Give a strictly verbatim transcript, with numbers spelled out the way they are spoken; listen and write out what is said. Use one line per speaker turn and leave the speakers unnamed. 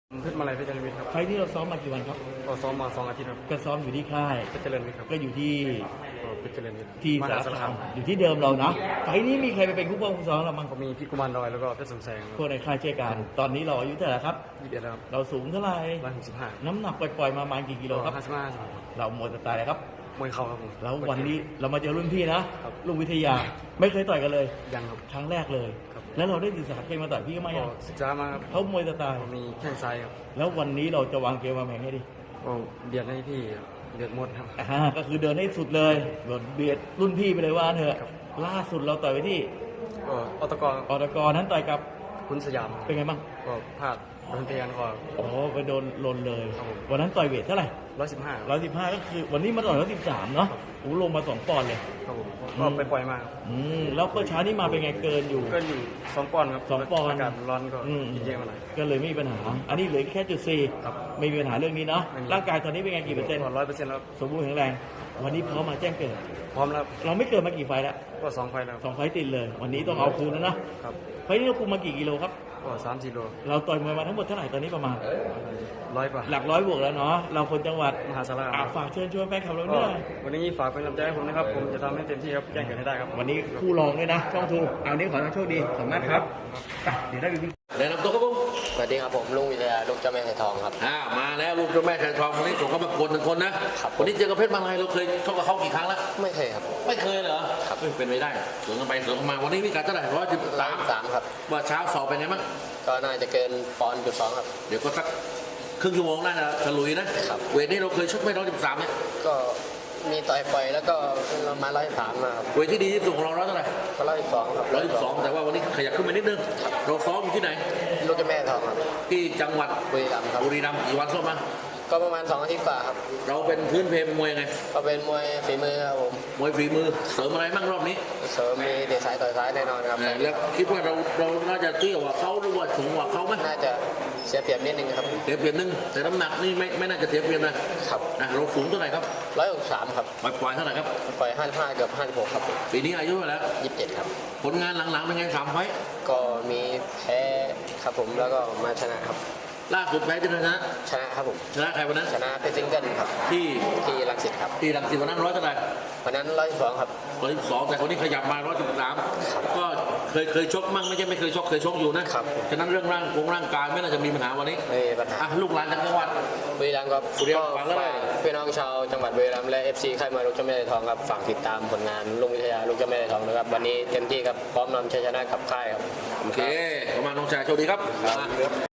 เพชรมาลัยเพชรเจริญวิทย์ครับ
ไฟล์ที่เราซ้อมมากี่วันครับ
ก็ซ้อมมาสองอาทิตย์ครับ
ก็ซ้อมอยู่ที่ค่าย
เพชรเจริญวิทย์ครับ
ก็อยู่ที่
ก็เพชรเจริญวิทย์
ที่
ม
สา
หาร สาร
คา
คาม ม
อยู่ที่เดิมเรานะไฟล์นี้มีใครไปเป็นคู่ป้องคู่ซ้อมเราบ้าง
ก็มีพี่กุมารดอยแล้วก็เพชรสมแสง
พวกในค่ายเช่นกันตอนนี้เราอายุเท่าไหร่ครับ
ยี่สิบเอ็ดครับ
เราสูงเท่าไหร่
ร้อยหกสิบห้า
น้ำหนักปล่อยๆมาประมาณกี่กิโลครับ
ห้าสิบห้าสิบหก
เราหมดสไตล์เลยครับ
มวยเข่าครับผม
แล้ววันนี้เรามาเจอรุ่นพี่นะครับ ลุงวิทยาไม่เคยต่อยกันเลย
ยังครับ
ครั้งแรกเลย
ครับ
แล้วเราได้ศึกษาเกมมาต่อยพี่ก็ไม่
ก็
ยัง
ศึกษามาครับ
เขามวยสไตล์
ก็มีแข้งซ้ายครับ
แล้ววันนี้เราจะวางเกมวางแผนให้ดี
ก็เบียดให้พี่เดือดหมดครับ
อ่าก็คือเดินให้สุดเลยเดินเบียดรุ่นพี่ไปเลยว่าเถอะ
ครับ
ล่าสุดเราต่อยไปที่
ก็อตก
อตกนั้นต่อยกับ
คุณสยาม
เป็นไงบ้าง
ก็พลาดโดนเตียนก็
โอ้ไปโดนลนเลย
ครับผม
วันนั้นต่อยเวทเท่าไหร่
ร้อยสิบห้า
ร้อยสิบห้าก็คือวันนี้มาต่อยร้อยสิบสามเนาะโอ้ลงมาสองปอนด์เลย
ครับผมก็ไปปล่อยมาครับ
อืมแล้วก็เช้านี้มาเป็นไงเกินอยู่
ก็อยู่สองปอนด์ครับ
สองปอนด์
อากาศร้อนก็
อืม
กินเยอะมาหน่อย
ก็เลยไม่มีปัญหา อันนี้เหลือแค่จุดสี่
ครับ
ไม่มีปัญหาเรื่องนี้เนาะ
ไม่มี
ร่างกายตอนนี้เป็นไงกี่เปอร์เซ็นต์
ร้อยเปอร์เซ็นต์แล้ว
สมบูรณ์แข็งแรง วันนี้พร้อมมาแจ้งเกิด
พร้อมแล้ว
เราไม่เกิดมากี่ไฟล์แล้ว
ก็สองไฟล์แล้ว
สองไฟล์ติดเลย วันนี้ต้องเอาคืนแล้วนะครับ ไฟล์นี้เราคุมมากี่กิโลครับ
ก็สามสี่โล
เราต่อยมวยมาทั้งหมดเท่าไหร่ตอนนี้ประมาณ
ร้อยกว่า
หลักร้อยบวกแล้วเนาะเราคนจังหวัด
มหาสาร
อ่ะ
คาม
ฝากเชิญชวนแฟนคลับเรา
ก็
ด้วย
วันนี้ฝากเป็นกำลังใจให้ผมนะครับ ผมจะทำให้เต็มที่ครับแจ้งเกิดให้ได้ครับ
วันนี้คู่รองด้วยนะช่องทูเอานี้ขอให้โชคดีสามารถครับอ่ะเดี๋ยวได้ดูพี่
แนะนำตัวครับผม
สวัสดีครับผมลุงวิทยาลูกเจ้าแม่ไทยทองครับ
อ่ามาแล้วลูกเจ้าแม่ไทยทองวันนี้ส่งเข้ามากดหนึ่งคนนะครับ วันนี้เจอกับเพชรมาลัยเราเคยชกกับเขากี่ครั้งแล้ว
ไม่เคยครับ
ไม่เคยเหรอ
ครับ
เอ้ยเป็นไปได้สวนกันไปสวนกันมาวันนี้มีการเท่าไหร่ร้อยสิบ
ร้อ
สาย ม
สามครับ
ว่าเช้าสอบเป็นไงบ้าง
ก็น่าจะเกินปอนด์จุดสองครับ
เดี๋ยวก็สักครึ่งชั่วโมงน่าจะฉลุยนะครับ เวทนี้เราเคยชกไม่ร้อยสิบสามเนี่ย
ก็มีต่อยปล่อยแล้วก็มาร้อยสามมาครับ
เวทที่ดีที่สุดของเราร้อยเท่าไหร่
ก็ร้อยสองครับ
ร้อยสิบสองแต่ว่าวันนี้ขยับขึ้นมานิดนึงเราซ้อมอยู่ที่ไหน
ลูกเจ้าแม่ไทยทองครับ
ที่จังหวัด
บุรีรัมย์ครับ
บุรีรัมย์กี่วันซ้อมมา
ก็ประมาณสองอาทิตย์กว่าครับ
เราเป็นพื้นเพมวยไง
ก็เป็นมวยฝีมือครับผม
มวยฝีมือเสริมอะไรบ้างรอบนี้
เสริมมีเดชสายต่อยซ้ายแน่นอนครับ
เออแล้วคิดว่าเราเราน่าจะเตี้ยกว่าเขาหรือว่าสูงกว่าเขาไหม
น่าจะเสียเปรียบนิดนึงครับ
เสียเปรียบนึงแต่น้ำหนักนี่ไม่ไม่น่าจะเสียเปรียบนะครับ นะเราสูงเท่าไหร่ครับ
ร้อยหกสามครับ
ปล่อยปล่อยเท่าไหร่ครับ
ปล่อยห้าสิบห้าเกือบห้าสิบหกครับ
ปีนี้อายุเท่าไหร่แล้ว
ยี่สิบเจ็ดครับ
ผลงานหลังๆเป็นไงสามไฟต์
ก็มีแพ้ครับผมแล้วก็มาชนะครับ
ล่าสุดแพ้ที่ไหนชนะ
ชนะครับผม
ชนะใครวันนั้น
ชนะเพชรซิงเกิลครับ
ที่
ที่รังสิตครับ
ที่รังสิตวันนั้นร้อยเท่าไหร่
วันนั้นร้อยสองครับ
ร้อยสองแต่คนนี้ขยับมาร้อยสิบสามก็เคยเคยชกมั่งไม่ใช่ไม่เคยชกเคยชกอยู่นะครับ ฉะนั้นเรื่องร่างวงร่างกายไม่น่าจะมีปัญหาวันนี้
ไม่มีปัญหา
อ่ะลูกหลานจากจังหวัด
บุรีรัมย์ครับ
บุรีรั
ก็
มย์ฝากเลย
ฝากพี่น้องชาวจังหวัดบุรีรัมย์และ เอฟ ซี ค่ายมวยลูกเจ้าแม่ไทยทองครับฝากติดตามผลงานลุงวิทยาลูกเจ้าแม่ไทยทองนะครับวันนี้เต็มที่ครับพร้อมนำชัยชนะกับค่ายครับ
โอเคประมาณน้องชายโชคดีครับ